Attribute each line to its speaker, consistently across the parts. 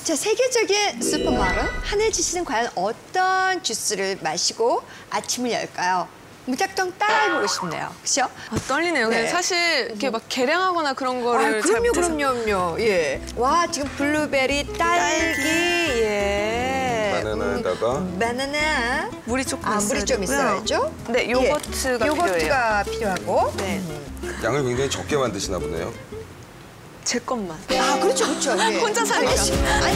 Speaker 1: 자, 세계적인 슈퍼마른 한혜진 씨는 과연 어떤 주스를 마시고 아침을 열까요? 무작정 따라해보고 싶네요. 그렇죠?
Speaker 2: 떨리네요.
Speaker 1: 네.
Speaker 2: 근데 사실 이렇게 막 계량하거나 그런 거를 잘 못해서.
Speaker 1: 그럼요. 예. 와, 지금 블루베리, 딸기, 예.
Speaker 3: 바나나에다가
Speaker 1: 바나나.
Speaker 2: 물이 조금 있어야
Speaker 1: 물이 좀
Speaker 2: 되고요.
Speaker 1: 있어야죠.
Speaker 2: 네, 요거트가 필요해요.
Speaker 1: 요거트가 필요하고.
Speaker 2: 네,
Speaker 3: 양을 굉장히 적게 만드시나 보네요.
Speaker 2: 제 것만.
Speaker 1: 아, 그렇죠. 예.
Speaker 2: 혼자 사니까.
Speaker 1: 아니,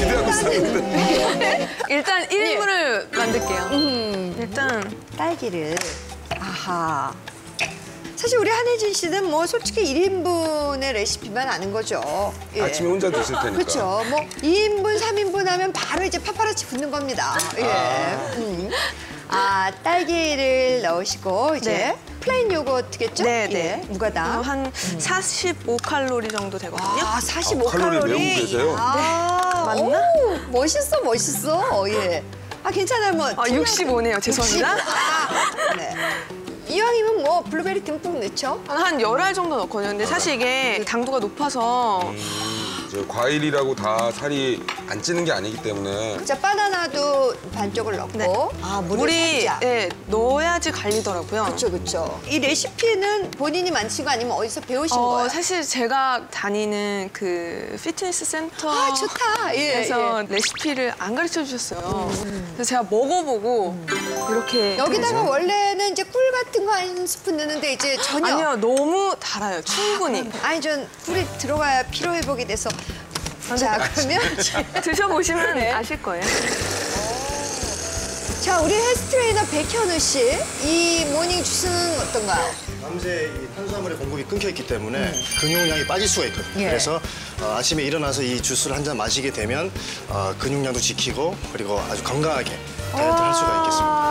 Speaker 2: 일단 1인분을 만들게요. 일단
Speaker 1: 딸기를. 아하. 사실 우리 한혜진 씨는 뭐 솔직히 1인분의 레시피만 아는 거죠. 예.
Speaker 3: 아침에 혼자 드실 테니까.
Speaker 1: 그렇죠. 뭐 2인분, 3인분 하면 바로 이제 파파라치 붙는 겁니다. 예. 딸기를 넣으시고 이제
Speaker 2: 네.
Speaker 1: 플레인 요거트겠죠?
Speaker 2: 네.
Speaker 1: 예. 무가당.
Speaker 2: 한 45칼로리 정도 되거든요.
Speaker 1: 45칼로리.
Speaker 3: 칼로리 메우고 계세요?
Speaker 2: 맞나?
Speaker 1: 오, 멋있어. 예. 괜찮아요. 뭐.
Speaker 2: 65네요. 죄송합니다.
Speaker 1: 네. 이왕이면 뭐 블루베리 듬뿍 넣죠?
Speaker 2: 한 10알 정도 넣거든요. 근데 사실 이게 당도가 높아서
Speaker 3: 저 과일이라고 다 살이 안 찌는 게 아니기 때문에.
Speaker 1: 자, 바나나도 반쪽을 넣고.
Speaker 2: 네. 물이 넣어야지 갈리더라고요.
Speaker 1: 그렇죠. 이 레시피는 본인이 만드신 거 아니면 어디서 배우신 거예요?
Speaker 2: 사실 제가 다니는 그 피트니스 센터
Speaker 1: 좋다.
Speaker 2: 그래서 레시피를 안 가르쳐 주셨어요. 그래서 제가 먹어보고 이렇게
Speaker 1: 여기다가 원래는 이제 꿀 같은 거 한 스푼 넣는데 이제 전혀.
Speaker 2: 아니요, 너무 달아요. 충분히.
Speaker 1: 전 꿀이 들어가야 피로 회복이 돼서. 자, 그러면
Speaker 2: 드셔보시면 아실 거예요.
Speaker 1: 자, 우리 헬스 트레이너 백현우 씨, 이 모닝 주스는 어떤가요?
Speaker 4: 밤새 이 탄수화물의 공급이 끊겨 있기 때문에 근육량이 빠질 수가 있거든요.
Speaker 1: 예.
Speaker 4: 그래서 아침에 일어나서 이 주스를 한 잔 마시게 되면 근육량도 지키고 그리고 아주 건강하게 다이어트를 할 수가 있겠습니다.